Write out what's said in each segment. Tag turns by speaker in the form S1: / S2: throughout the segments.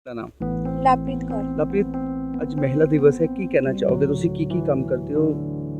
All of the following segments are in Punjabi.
S1: ਦਾ ਨਾਮ
S2: ਲਵਪ੍ਰੀਤ ਕੌਰ।
S1: ਲਵਪ੍ਰੀਤ, ਅੱਜ ਮਹਿਲਾ ਦਿਵਸ ਹੈ, ਕੀ ਕਹਿਣਾ ਚਾਹੋਗੇ? ਤੁਸੀਂ ਕੀ ਕੰਮ ਕਰਦੇ ਹੋ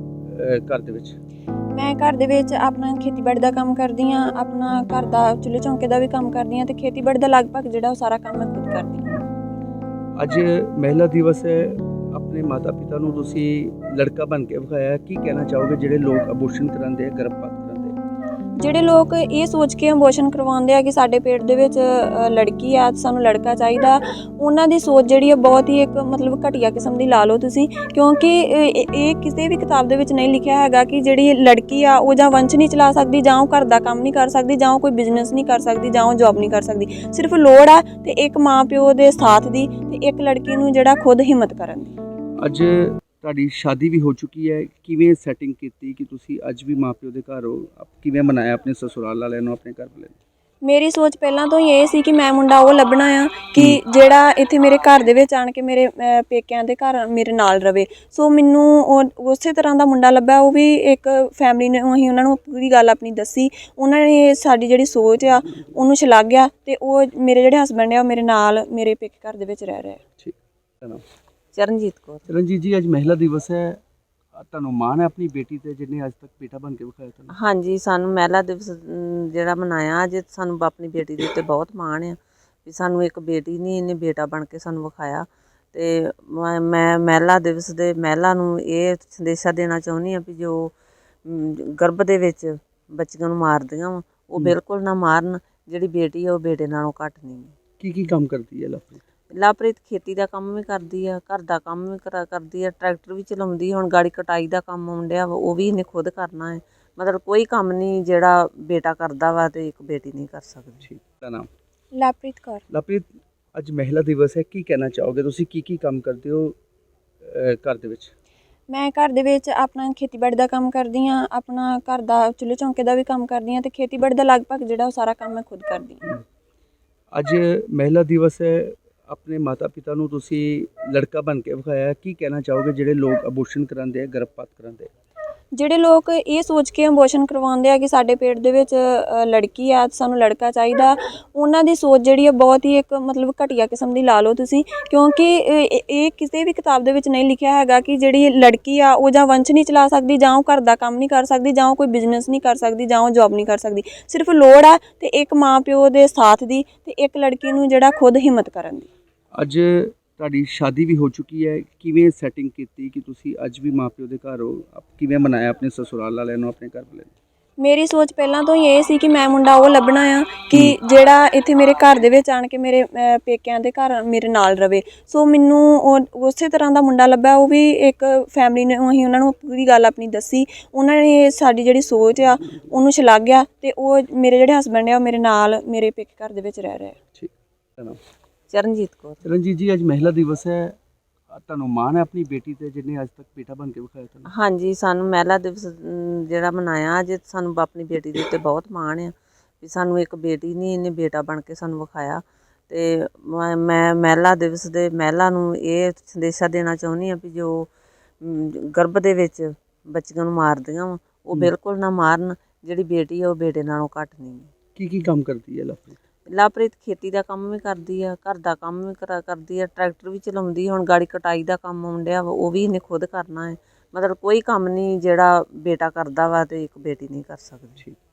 S1: ਘਰ ਦੇ ਵਿੱਚ?
S2: ਮੈਂ ਘਰ ਦੇ ਵਿੱਚ ਆਪਣਾ ਖੇਤੀਬਾੜੀ ਦਾ ਕੰਮ ਕਰਦੀ ਹਾਂ, ਆਪਣਾ ਘਰ ਦਾ ਚੁੱਲ੍ਹੇ ਚੌਂਕੇ ਦਾ ਵੀ ਕੰਮ ਕਰਦੀ ਹਾਂ ਤੇ ਖੇਤੀਬਾੜੀ ਦਾ ਲਗਭਗ ਜਿਹੜਾ ਉਹ ਸਾਰਾ ਕੰਮ ਮੈਂ ਖੁਦ ਕਰਦੀ ਹਾਂ।
S1: ਅੱਜ ਮਹਿਲਾ ਦਿਵਸ ਹੈ, ਆਪਣੇ ਮਾਤਾ ਪਿਤਾ ਨੂੰ ਤੁਸੀਂ ਲੜਕਾ ਬਣ ਕੇ ਵਿਖਾਇਆ, ਕੀ ਕਹਿਣਾ ਚਾਹੋਗੇ ਜਿਹੜੇ ਲੋਕ ਅਬੋਰਸ਼ਨ ਕਰਾਉਂਦੇ ਆ, ਗਰਭਪਾਤ ਕਰਾਉਂਦੇ ਆ?
S2: ਜਿਹੜੇ ਲੋਕ ਇਹ ਸੋਚ ਕੇ ਅਬੋਰਸ਼ਨ ਕਰਵਾਉਂਦੇ ਆ ਕਿ ਸਾਡੇ ਪੇਟ ਦੇ ਵਿੱਚ ਲੜਕੀ ਆ, ਸਾਨੂੰ ਲੜਕਾ ਚਾਹੀਦਾ, ਉਹਨਾਂ ਦੀ ਸੋਚ ਜਿਹੜੀ ਆ ਬਹੁਤ ਹੀ ਇੱਕ ਮਤਲਬ ਘਟੀਆ ਕਿਸਮ ਦੀ ਲਾ ਲਓ ਤੁਸੀਂ, ਕਿਉਂਕਿ ਇਹ ਕਿਸੇ ਵੀ ਕਿਤਾਬ ਦੇ ਵਿੱਚ ਨਹੀਂ ਲਿਖਿਆ ਹੈਗਾ ਕਿ ਜਿਹੜੀ ਲੜਕੀ ਆ ਉਹ ਜਾਂ ਵੰਸ਼ ਨਹੀਂ ਚਲਾ ਸਕਦੀ, ਜਾਂ ਉਹ ਘਰ ਦਾ ਕੰਮ ਨਹੀਂ ਕਰ ਸਕਦੀ, ਜਾਂ ਉਹ ਕੋਈ ਬਿਜ਼ਨਸ ਨਹੀਂ ਕਰ ਸਕਦੀ, ਜਾਂ ਉਹ ਜੌਬ ਨਹੀਂ ਕਰ ਸਕਦੀ। ਸਿਰਫ ਲੋੜ ਆ ਤੇ ਇੱਕ ਮਾਂ ਪਿਓ ਦੇ ਸਾਥ ਦੀ ਤੇ ਇੱਕ ਲੜਕੀ ਨੂੰ ਜਿਹੜਾ ਖੁਦ ਹਿੰਮਤ ਕਰਨ ਦੀ।
S1: ਅੱਜ ਤੁਹਾਡੀ ਸ਼ਾਦੀ ਵੀ ਹੋ ਚੁੱਕੀ ਹੈ, ਕਿਵੇਂ ਸੈਟਿੰਗ ਕੀਤੀ ਕਿ ਤੁਸੀਂ ਅੱਜ ਵੀ ਮਾਂ ਪਿਓ ਦੇ ਘਰ ਹੋ? ਕਿਵੇਂ ਮਨਾਇਆ ਆਪਣੇ ਸਸੁਰਾਲ ਵਾਲਿਆਂ ਨੂੰ, ਆਪਣੇ ਘਰ ਵਾਲਿਆਂ ਨੂੰ?
S2: ਮੇਰੀ ਸੋਚ ਪਹਿਲਾਂ ਤੋਂ ਹੀ ਇਹ ਸੀ ਕਿ ਮੈਂ ਮੁੰਡਾ ਉਹ ਲੱਭਣਾ ਆ ਕਿ ਜਿਹੜਾ ਇੱਥੇ ਮੇਰੇ ਘਰ ਦੇ ਵਿੱਚ ਆਣ ਕੇ ਮੇਰੇ ਪੇਕਿਆਂ ਦੇ ਘਰ ਮੇਰੇ ਨਾਲ ਰਵੇ। ਸੋ ਮੈਨੂੰ ਉਸੇ ਤਰ੍ਹਾਂ ਦਾ ਮੁੰਡਾ ਲੱਭਾ। ਉਹ ਵੀ ਇੱਕ ਫੈਮਿਲੀ ਨੇ, ਅਸੀਂ ਉਹਨਾਂ ਨੂੰ ਪੂਰੀ ਗੱਲ ਆਪਣੀ ਦੱਸੀ, ਉਹਨਾਂ ਨੇ ਸਾਡੀ ਜਿਹੜੀ ਸੋਚ ਆ ਉਹਨੂੰ ਸ਼ਲਾਘਿਆ ਤੇ ਉਹ ਮੇਰੇ ਜਿਹੜੇ ਹਸਬੈਂਡ ਆ ਉਹ ਮੇਰੇ ਨਾਲ ਮੇਰੇ ਪੇਕੇ ਘਰ ਦੇ ਵਿੱਚ ਰਹਿ ਰਹੇ।
S1: ਠੀਕ ਹੈ।
S3: ਚਰਨਜੀਤ ਕੌਰ।
S1: ਚਰਨਜੀਤ ਜੀ, ਅੱਜ ਮਹਿਲਾ ਦਿਵਸ ਹੈ, ਤੁਹਾਨੂੰ ਮਾਣ ਹੈ ਆਪਣੀ ਬੇਟੀ ਤੇ ਜਿਹਨੇ ਅੱਜ ਤੱਕ ਬੇਟਾ ਬਣ ਕੇ ਵਿਖਾਇਆ ਤੁਹਾਨੂੰ?
S3: ਹਾਂਜੀ, ਸਾਨੂੰ ਮਹਿਲਾ ਦਿਵਸ ਜਿਹੜਾ ਮਨਾਇਆ ਅੱਜ, ਸਾਨੂੰ ਆਪਣੀ ਬੇਟੀ ਦੇ ਉੱਤੇ ਬਹੁਤ ਮਾਣ ਆ ਵੀ ਸਾਨੂੰ ਇੱਕ ਬੇਟੀ ਨਹੀਂ, ਇਹਨੇ ਬੇਟਾ ਬਣ ਕੇ ਸਾਨੂੰ ਵਿਖਾਇਆ। ਤੇ ਮੈਂ ਮਹਿਲਾ ਦਿਵਸ ਦੇ ਮਹਿਲਾ ਨੂੰ ਇਹ ਸੰਦੇਸ਼ਾ ਦੇਣਾ ਚਾਹੁੰਦੀ ਹਾਂ ਵੀ ਜੋ ਗਰਭ ਦੇ ਵਿੱਚ ਬੱਚੀਆਂ ਨੂੰ ਮਾਰਦੀਆਂ ਵਾ ਉਹ ਬਿਲਕੁਲ ਨਾ ਮਾਰਨ। ਜਿਹੜੀ ਬੇਟੀ ਆ ਉਹ ਬੇਟੇ ਨਾਲੋਂ ਘੱਟ ਨਹੀਂ।
S1: ਕੀ ਕੰਮ ਕਰਦੀ ਹੈ ਲਵਪ੍ਰੀਤ?
S3: ਲਵਪ੍ਰੀਤ ਖੇਤੀ ਦਾ ਕੰਮ ਵੀ ਕਰਦੀ ਆ, ਘਰ ਦਾ ਕੰਮ ਵੀ ਕਰਦੀ ਆ, ਟਰੈਕਟਰ ਵੀ ਚਲਾਉਂਦੀ। ਹੁਣ ਗਾੜੀ ਕਟਾਈ ਦਾ ਕੰਮ ਆਉਂਦਿਆ ਵਾ, ਉਹ ਵੀ ਇਹਨੇ ਖੁਦ ਕਰਨਾ ਹੈ। ਮਤਲਬ ਕੋਈ ਕੰਮ ਨਹੀਂ ਜਿਹੜਾ ਬੇਟਾ ਕਰਦਾ ਵਾ ਤੇ ਇੱਕ ਬੇਟੀ ਨਹੀਂ ਕਰ ਸਕਦੀ।
S1: ਠੀਕ ਦਾ ਨਾਮ
S2: ਲਵਪ੍ਰੀਤ ਕੌਰ।
S1: ਲਵਪ੍ਰੀਤ, ਅੱਜ ਮਹਿਲਾ ਦਿਵਸ ਹੈ, ਕੀ ਕਹਿਣਾ ਚਾਹੋਗੇ? ਤੁਸੀਂ ਕੀ ਕੰਮ ਕਰਦੇ ਹੋ ਘਰ ਦੇ ਵਿੱਚ?
S2: ਮੈਂ ਘਰ ਦੇ ਵਿੱਚ ਆਪਣਾ ਖੇਤੀਬਾੜੀ ਦਾ ਕੰਮ ਕਰਦੀ ਹਾਂ, ਆਪਣਾ ਘਰ ਦਾ ਚੁੱਲ੍ਹੇ ਚੌਂਕੇ ਦਾ ਵੀ ਕੰਮ ਕਰਦੀ ਹਾਂ ਤੇ ਖੇਤੀਬਾੜੀ ਦਾ ਲਗਭਗ ਜਿਹੜਾ ਉਹ ਸਾਰਾ ਕੰਮ ਮੈਂ ਖੁਦ ਕਰਦੀ ਹਾਂ।
S1: ਅੱਜ ਮਹਿਲਾ ਦਿਵਸ ਹੈ, ਆਪਣੇ ਮਾਤਾ ਪਿਤਾ ਨੂੰ ਤੁਸੀਂ ਲੜਕਾ ਬਣ ਕੇ ਵਿਖਾਇਆ, ਕੀ ਕਹਿਣਾ ਚਾਹੋਗੇ ਜਿਹੜੇ ਲੋਕ ਅਬੋਰਸ਼ਨ ਕਰਾਉਂਦੇ ਆ, ਗਰਭਪਾਤ ਕਰਾਉਂਦੇ ਆ?
S2: ਜਿਹੜੇ ਲੋਕ ਇਹ ਸੋਚ ਕੇ ਅਬੋਰਸ਼ਨ ਕਰਵਾਉਂਦੇ ਆ ਕਿ ਸਾਡੇ ਪੇਟ ਦੇ ਵਿੱਚ ਲੜਕੀ ਆ, ਸਾਨੂੰ ਲੜਕਾ ਚਾਹੀਦਾ, ਉਹਨਾਂ ਦੀ ਸੋਚ ਜਿਹੜੀ ਆ ਬਹੁਤ ਹੀ ਇੱਕ ਮਤਲਬ ਘਟੀਆ ਕਿਸਮ ਦੀ ਲਾ ਲਓ ਤੁਸੀਂ, ਕਿਉਂਕਿ ਇਹ ਕਿਸੇ ਵੀ ਕਿਤਾਬ ਦੇ ਵਿੱਚ ਨਹੀਂ ਲਿਖਿਆ ਹੈਗਾ ਕਿ ਜਿਹੜੀ ਲੜਕੀ ਆ ਉਹ ਜਾਂ ਵੰਸ਼ ਨਹੀਂ ਚਲਾ ਸਕਦੀ, ਜਾਂ ਉਹ ਘਰ ਦਾ ਕੰਮ ਨਹੀਂ ਕਰ ਸਕਦੀ, ਜਾਂ ਉਹ ਕੋਈ ਬਿਜ਼ਨਸ ਨਹੀਂ ਕਰ ਸਕਦੀ, ਜਾਂ ਉਹ ਜੌਬ ਨਹੀਂ ਕਰ ਸਕਦੀ। ਸਿਰਫ ਲੋੜ ਆ ਤੇ ਇੱਕ ਮਾਂ ਪਿਓ ਦੇ ਸਾਥ ਦੀ ਤੇ ਇੱਕ ਲੜਕੀ ਨੂੰ ਜਿਹੜਾ ਖੁਦ ਹਿੰਮਤ ਕਰਨ ਦੀ।
S1: ਅੱਜ ਤੁਹਾਡੀ ਸ਼ਾਦੀ ਵੀ ਹੋ ਚੁੱਕੀ ਹੈ, ਕਿਵੇਂ ਸੈਟਿੰਗ ਕੀਤੀ ਕਿ ਤੁਸੀਂ ਅੱਜ ਵੀ ਮਾਂ ਪਿਓ ਦੇ ਘਰ ਹੋ? ਕਿਵੇਂ ਮਨਾਇਆ ਆਪਣੇ ਸਸੁਰਾਲ ਵਾਲਿਆਂ ਨੂੰ, ਆਪਣੇ ਘਰ ਵਾਲਿਆਂ ਨੂੰ?
S2: ਮੇਰੀ ਸੋਚ ਪਹਿਲਾਂ ਤੋਂ ਹੀ ਇਹ ਸੀ ਕਿ ਮੈਂ ਮੁੰਡਾ ਉਹ ਲੱਭਣਾ ਆ ਕਿ ਜਿਹੜਾ ਇੱਥੇ ਮੇਰੇ ਘਰ ਦੇ ਵਿੱਚ ਆਣ ਕੇ ਮੇਰੇ ਪੇਕਿਆਂ ਦੇ ਘਰ ਮੇਰੇ ਨਾਲ ਰਵੇ। ਸੋ ਮੈਨੂੰ ਉਸੇ ਤਰ੍ਹਾਂ ਦਾ ਮੁੰਡਾ ਲੱਭਾ। ਉਹ ਵੀ ਇੱਕ ਫੈਮਿਲੀ ਨੇ, ਅਸੀਂ ਉਹਨਾਂ ਨੂੰ ਪੂਰੀ ਗੱਲ ਆਪਣੀ ਦੱਸੀ, ਉਹਨਾਂ ਨੇ ਸਾਡੀ ਜਿਹੜੀ ਸੋਚ ਆ ਉਹਨੂੰ ਸ਼ਲਾਘਿਆ ਤੇ ਉਹ ਮੇਰੇ ਜਿਹੜੇ ਹਸਬੈਂਡ ਆ ਉਹ ਮੇਰੇ ਨਾਲ ਮੇਰੇ ਪੇਕੇ ਘਰ ਦੇ ਵਿੱਚ ਰਹਿ ਰਹੇ।
S1: ਠੀਕ ਹੈ ਨਾ।
S3: ਚਰਨਜੀਤ ਕੌਰ।
S1: ਚਰਨਜੀਤ ਜੀ, ਅੱਜ ਮਹਿਲਾ ਦਿਵਸ ਹੈ, ਤੁਹਾਨੂੰ ਮਾਣ ਹੈ ਆਪਣੀ ਬੇਟੀ ਤੇ ਜਿਹਨੇ ਅੱਜ ਤੱਕ ਬੇਟਾ ਬਣ ਕੇ ਵਿਖਾਇਆ ਤੁਹਾਨੂੰ?
S3: ਹਾਂਜੀ, ਸਾਨੂੰ ਮਹਿਲਾ ਦਿਵਸ ਜਿਹੜਾ ਮਨਾਇਆ ਅੱਜ, ਸਾਨੂੰ ਆਪਣੀ ਬੇਟੀ ਦੇ ਉੱਤੇ ਬਹੁਤ ਮਾਣ ਆ ਵੀ ਸਾਨੂੰ ਇੱਕ ਬੇਟੀ ਨਹੀਂ, ਇਹਨੇ ਬੇਟਾ ਬਣ ਕੇ ਸਾਨੂੰ ਵਿਖਾਇਆ। ਤੇ ਮੈਂ ਮਹਿਲਾ ਦਿਵਸ ਦੇ ਮਹਿਲਾ ਨੂੰ ਇਹ ਸੰਦੇਸ਼ਾ ਦੇਣਾ ਚਾਹੁੰਦੀ ਹਾਂ ਵੀ ਜੋ ਗਰਭ ਦੇ ਵਿੱਚ ਬੱਚੀਆਂ ਨੂੰ ਮਾਰਦੀਆਂ ਵਾ ਉਹ ਬਿਲਕੁਲ ਨਾ ਮਾਰਨ। ਜਿਹੜੀ ਬੇਟੀ ਆ ਉਹ ਬੇਟੇ ਨਾਲੋਂ ਘੱਟ ਨਹੀਂ।
S1: ਕੀ ਕੰਮ ਕਰਦੀ ਹੈ ਲਵਪ੍ਰੀਤ?
S3: ਲਵਪ੍ਰੀਤ ਖੇਤੀ ਦਾ ਕੰਮ ਵੀ ਕਰਦੀ ਆ, ਘਰ ਦਾ ਕੰਮ ਵੀ ਕਰਦੀ ਆ, ਟਰੈਕਟਰ ਵੀ ਚਲਾਉਂਦੀ। ਹੁਣ ਗਾੜੀ ਕਟਾਈ ਦਾ ਕੰਮ ਆਉਂਦਿਆ ਵਾ, ਉਹ ਵੀ ਇਹਨੇ ਖੁਦ ਕਰਨਾ ਹੈ। ਮਤਲਬ ਕੋਈ ਕੰਮ ਨਹੀਂ ਜਿਹੜਾ ਬੇਟਾ ਕਰਦਾ ਵਾ ਤੇ ਇੱਕ ਬੇਟੀ ਨਹੀਂ ਕਰ ਸਕਦੀ।